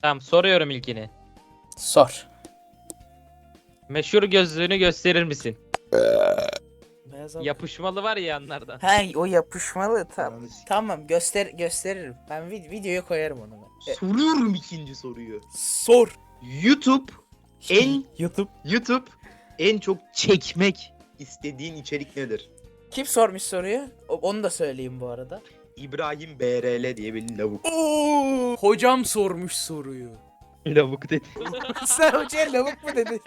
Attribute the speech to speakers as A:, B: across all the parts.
A: Tamam, soruyorum ilkini.
B: Sor.
A: Meşhur gözlüğünü gösterir misin?
B: Beyaz al-
A: Yapışmalı var ya yanlardan.
B: He, o yapışmalı tamam.
C: Ananı s-
B: Tamam gösteririm. Ben videoya koyarım onu ben.
C: Soruyorum ikinci soruyu.
B: Sor.
C: YouTube en
B: YouTube.
C: YouTube en çok çekmek istediğin içerik nedir?
B: Kim sormuş soruyu? Onu da söyleyeyim bu arada.
C: İbrahim BRL diye bir lavuk.
B: Oo, hocam sormuş soruyu.
C: Lavuk dedi.
B: Sen hocaya lavuk mu dedin?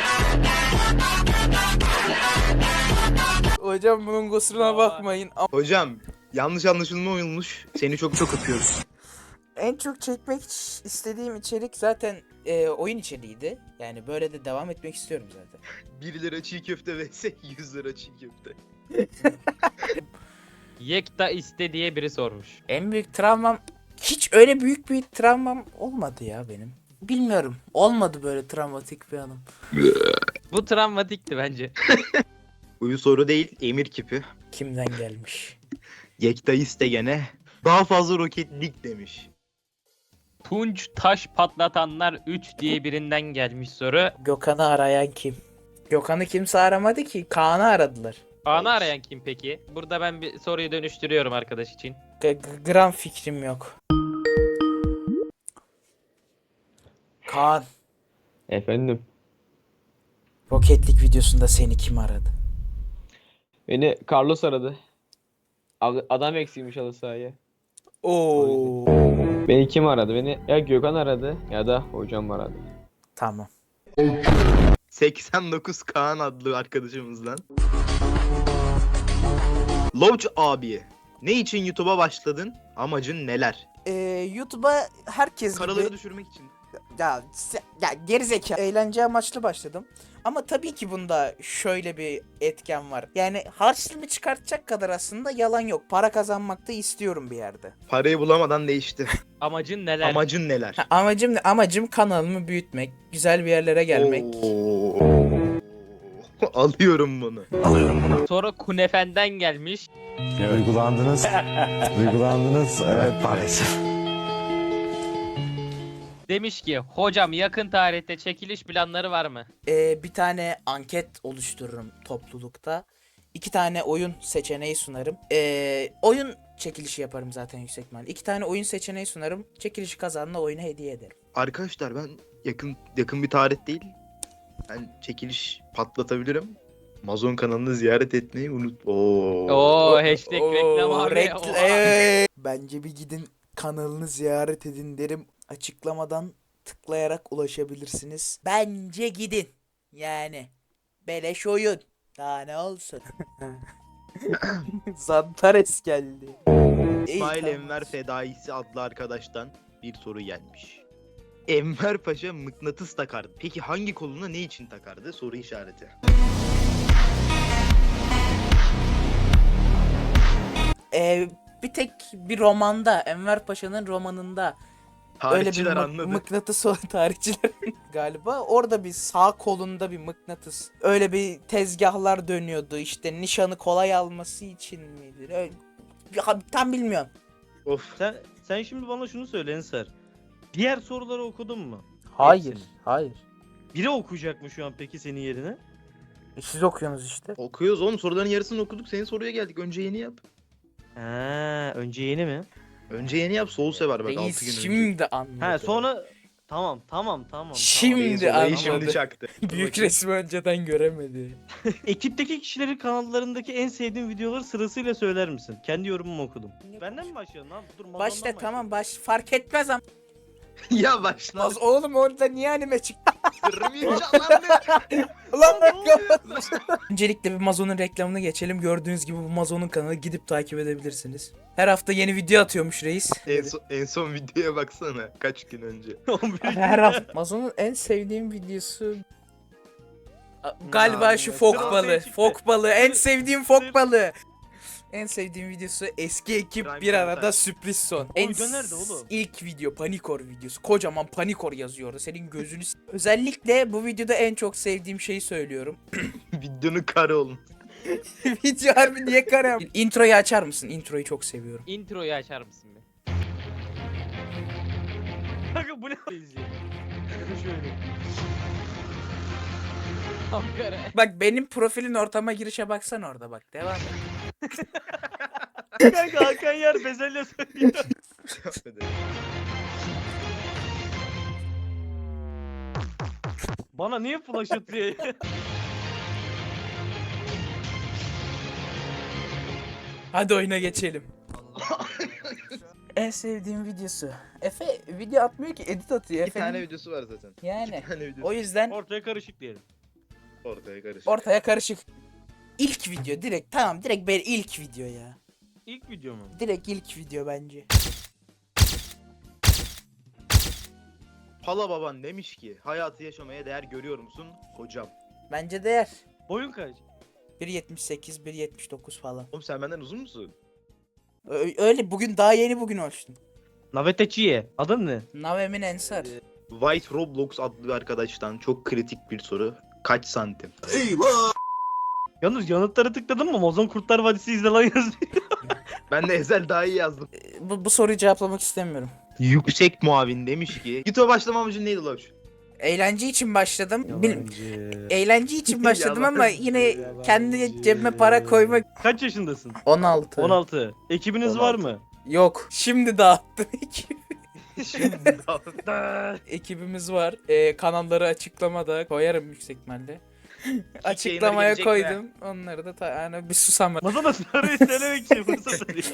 B: Hocam bunun kusuruna bakmayın.
C: Hocam yanlış anlaşılma olmuş. Seni çok çok öpüyoruz.
B: En çok çekmek istediğim içerik zaten oyun içeriğiydi. Yani böyle de devam etmek istiyorum zaten.
C: 1 lira çiğ köfte vs 100 lira çiğ köfte.
A: Yekta iste diye biri sormuş.
B: En büyük travmam hiç öyle büyük bir travmam olmadı ya benim. Bilmiyorum. Olmadı böyle travmatik bir anım.
A: Bu travmatikti bence.
C: Bu soru değil, emir kipi.
B: Kimden gelmiş?
C: Yekta iste gene. Daha fazla roketlik demiş.
A: Tunç taş patlatanlar 3 diye birinden gelmiş soru.
B: Gökhan'ı arayan kim? Gökhan'ı kimse aramadı ki. Kaan'ı aradılar.
A: Kaan'ı arayan kim peki? Burada ben bir soruyu dönüştürüyorum arkadaş için.
B: Gram fikrim yok. Kaan,
D: Efendim,
B: Roketlik videosunda seni kim aradı?
D: beni Carlos aradı. Adam eksiymiş halı sahaya.
B: Oo.
D: Beni kim aradı? Beni ya Gökhan aradı ya da hocam aradı.
B: Tamam.
C: 89 Kaan adlı arkadaşımızdan. Lodge abi, ne için YouTube'a başladın? Amacın neler?
B: YouTube'a herkes
C: Karaları
B: gibi
C: düşürmek için.
B: ya gerizekalı eğlence amaçlı başladım. Ama tabii ki bunda şöyle bir etken var. Yani harçlığımı çıkartacak kadar aslında yalan yok. Para kazanmak da istiyorum bir yerde.
C: Parayı bulamadan değişti.
A: Amacın neler?
C: Amacın neler?
B: Amacım ne? Amacım kanalımı büyütmek, güzel bir yerlere gelmek.
C: Oo. Alıyorum bunu.
A: Soru Kunefen'den gelmiş.
E: Duygulandınız. Duygulandınız. Evet maalesef.
A: Demiş ki hocam yakın tarihte çekiliş planları var mı?
B: Bir tane anket oluştururum toplulukta. 2 tane oyun seçeneği sunarım. Oyun çekilişi yaparım zaten yüksek ihtimalle. 2 tane oyun seçeneği sunarım. Çekilişi kazanana oyunu hediye ederim.
C: Arkadaşlar ben yakın bir tarih değil. Ben çekiliş patlatabilirim. Amazon kanalını ziyaret etmeyi unut.
A: Oo hashtag reklam abi. Oha.
B: Bence bir gidin kanalını ziyaret edin derim. Açıklamadan tıklayarak ulaşabilirsiniz. Bence gidin. Yani beleş oyun. Daha ne olsun. Zantares geldi.
C: İsmail
B: tamam.
C: Enver Fedaisi adlı arkadaştan bir soru gelmiş. Enver Paşa mıknatıs takardı. Peki hangi koluna ne için takardı? Soru işareti.
B: Bir tek bir romanda, Enver Paşa'nın romanında öyle bir
C: Tarihçiler anladı.
B: mıknatıs olan tarihçiler galiba. Orada bir sağ kolunda bir mıknatıs. Öyle bir tezgahlar dönüyordu. İşte nişanı kolay alması için miydi? Öyle, tam bilmiyorum.
C: Of.
F: Sen şimdi bana şunu söyle Ensar. Diğer soruları okudun mu?
B: Hayır,
F: Hepsini.
B: hayır.
F: Biri okuyacak mı şu an peki senin yerine?
B: Siz okuyorsunuz işte.
C: Okuyoruz oğlum, soruların yarısını okuduk. Senin soruya geldik. Önce yeni yap.
F: Ha, önce yeni mi?
C: Önce yeni yap. Soul sever bak 6 gün
B: Reis
C: önce.
B: şimdi anladı.
F: Ha sonra tamam.
B: Şimdi
C: Reis olayı
B: anladı.
C: şimdi çaktı.
B: Büyük resmi önceden göremedi.
F: Ekipteki kişilerin kanallarındaki en sevdiğin videoları sırasıyla söyler misin? Kendi yorumumu okudum. Benden mi başlayalım abi? Dur, Mazon'dan
B: Başla
F: başlayalım.
B: tamam fark etmez ama.
C: Ya başla.
B: Oğlum orada niye anime çıktı?
C: Kırmayacağım.
B: Lan öncelikle bir Mazon'un reklamını geçelim. Gördüğünüz gibi bu Mazon'un kanalı, gidip takip edebilirsiniz. Her hafta yeni video atıyormuş reis.
C: En son videoya baksana. Kaç gün önce.
F: 11
B: Her hafta. Mazon'un en sevdiğim videosu galiba şu fok
F: Sırası
B: balığı.
F: çıktı.
B: Fok balığı. En sevdiğim fok balığı. En sevdiğim videosu eski ekip
C: Prime
B: bir arada
C: Time.
B: sürpriz son.
F: O video nerede oğlum?
B: İlk video Panikor videosu. Kocaman Panikor yazıyordu. Senin gözünü özellikle bu videoda en çok sevdiğim şeyi söylüyorum.
C: Videonun karı olun.
B: Video harbi niye kare? Introyu açar mısın? Introyu çok seviyorum.
A: Introyu açar mısın be?
F: Kanka bu ne benziyor? Ya da şöyle.
A: Ankara.
B: Bak benim profilin ortama girişe baksan orada bak. Devam et.
F: Kanka Hakan Yer bezelye söylüyor. Bana niye flash atıyor ya?
B: Hadi oyuna geçelim. En sevdiğim videosu. Efe video atmıyor ki, edit atıyor.
C: Bir tane
B: Efe'nin
C: videosu var zaten.
B: yani.
C: Bir tane videosu.
B: O yüzden
F: Ortaya karışık diyelim.
C: Ortaya karışık.
B: ortaya karışık. İlk video direkt, tamam, direkt böyle ilk video ya.
F: İlk video mu?
B: Direkt ilk video bence.
C: Pala baban demiş ki hayatı yaşamaya değer görüyor musun hocam?
B: Bence değer.
F: Boyun kaç?
B: 1.78, 1.79 falan.
C: Oğlum sen benden uzun musun?
B: Öyle bugün, daha yeni bugün ölçtüm.
F: Naveteçiye. Adın ne?
B: Navemin Ensar.
C: White Roblox adlı bir arkadaştan çok kritik bir soru. Kaç santim?
F: Yalnız yanıtları tıkladın mı? Mozon Kurtlar Vadisi izle lan yazıyor.
C: Ben de Ezel daha iyi yazdım.
B: Bu soruyu cevaplamak istemiyorum.
C: Yüksek muavin demiş ki YouTube'a başlama amacın neydi Loş?
B: Eğlence için başladım.
F: Yalancı.
B: Eğlence için başladım ama
C: Yalancı,
B: yine kendi cebime para koymak.
F: Kaç yaşındasın?
B: 16.
F: 16. Ekibiniz var
C: 16.
F: mı?
B: Yok. Şimdi dağıttım ekip.
C: Şimdi
B: Ekibimiz var. Kanalları açıklamada koyarım yüksek ihtimalle. Açıklamaya
C: gelecek
B: koydum. Onları da yani bir susam.
F: Masada soruyu söylemek için fırsat arıyor.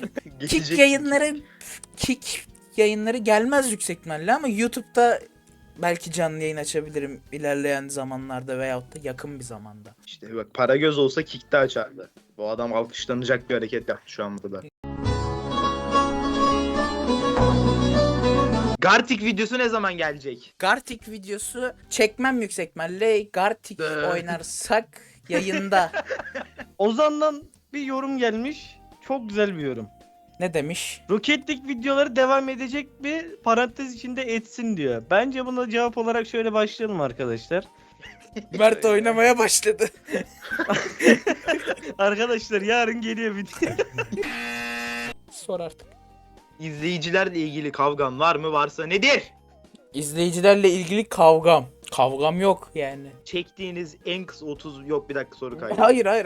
B: Kick yayınları gelmez yüksek ihtimalle ama YouTube'da belki canlı yayın açabilirim ilerleyen zamanlarda veyahut da yakın bir zamanda.
C: İşte bak para göz olsa kick'te açardı. Bu adam alkışlanacak bir hareket yaptı şu an burada. Gartic videosu ne zaman gelecek?
B: Gartic videosu çekmem yüksek ihtimalle. Gartic oynarsak yayında.
F: Ozan'dan bir yorum gelmiş. Çok güzel bir yorum.
B: Ne demiş?
F: Rocket League videoları devam edecek mi? Parantez içinde etsin diyor. Bence buna cevap olarak şöyle başlayalım arkadaşlar.
B: Mert oynamaya başladı.
F: Arkadaşlar yarın geliyor video.
B: Sor artık.
C: İzleyicilerle ilgili kavgan var mı? Varsa nedir?
B: İzleyicilerle ilgili kavgam. Kavgam yok yani.
C: Çektiğiniz en kısa 30 yok bir dakika soru kaydı.
B: Hayır hayır.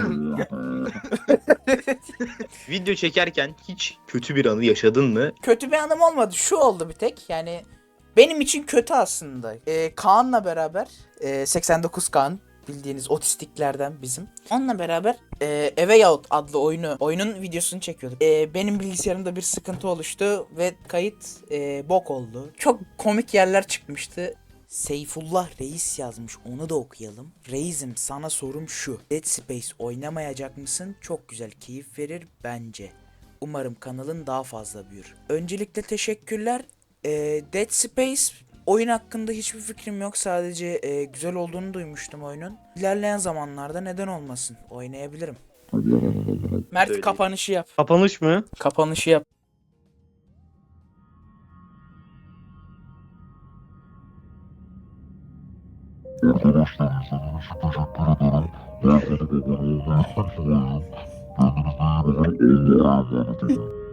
C: Video çekerken hiç kötü bir anı yaşadın mı?
B: Kötü bir anım olmadı. Şu oldu bir tek. Yani benim için kötü aslında. Kaan'la beraber 89 Kaan bildiğiniz otistiklerden bizim. Onunla beraber Eve Out adlı oyunun videosunu çekiyorduk. Benim bilgisayarımda bir sıkıntı oluştu ve kayıt bok oldu. Çok komik yerler çıkmıştı. Seyfullah Reis yazmış, onu da okuyalım. Reis'im, sana sorum şu: Dead Space oynamayacak mısın? Çok güzel, keyif verir bence. Umarım kanalın daha fazla büyür. Öncelikle teşekkürler. Dead Space oyun hakkında hiçbir fikrim yok. Sadece güzel olduğunu duymuştum oyunun. İlerleyen zamanlarda neden olmasın, oynayabilirim. Mert
C: Söyleyeyim.
B: kapanışı yap.
F: Kapanış mı?
B: Kapanışı yap.
E: Arkadaşlar izlediğiniz için teşekkür ederim. Kendinize iyi bakın. Kendinize iyi bakın. İyi eğlenceler dilerim.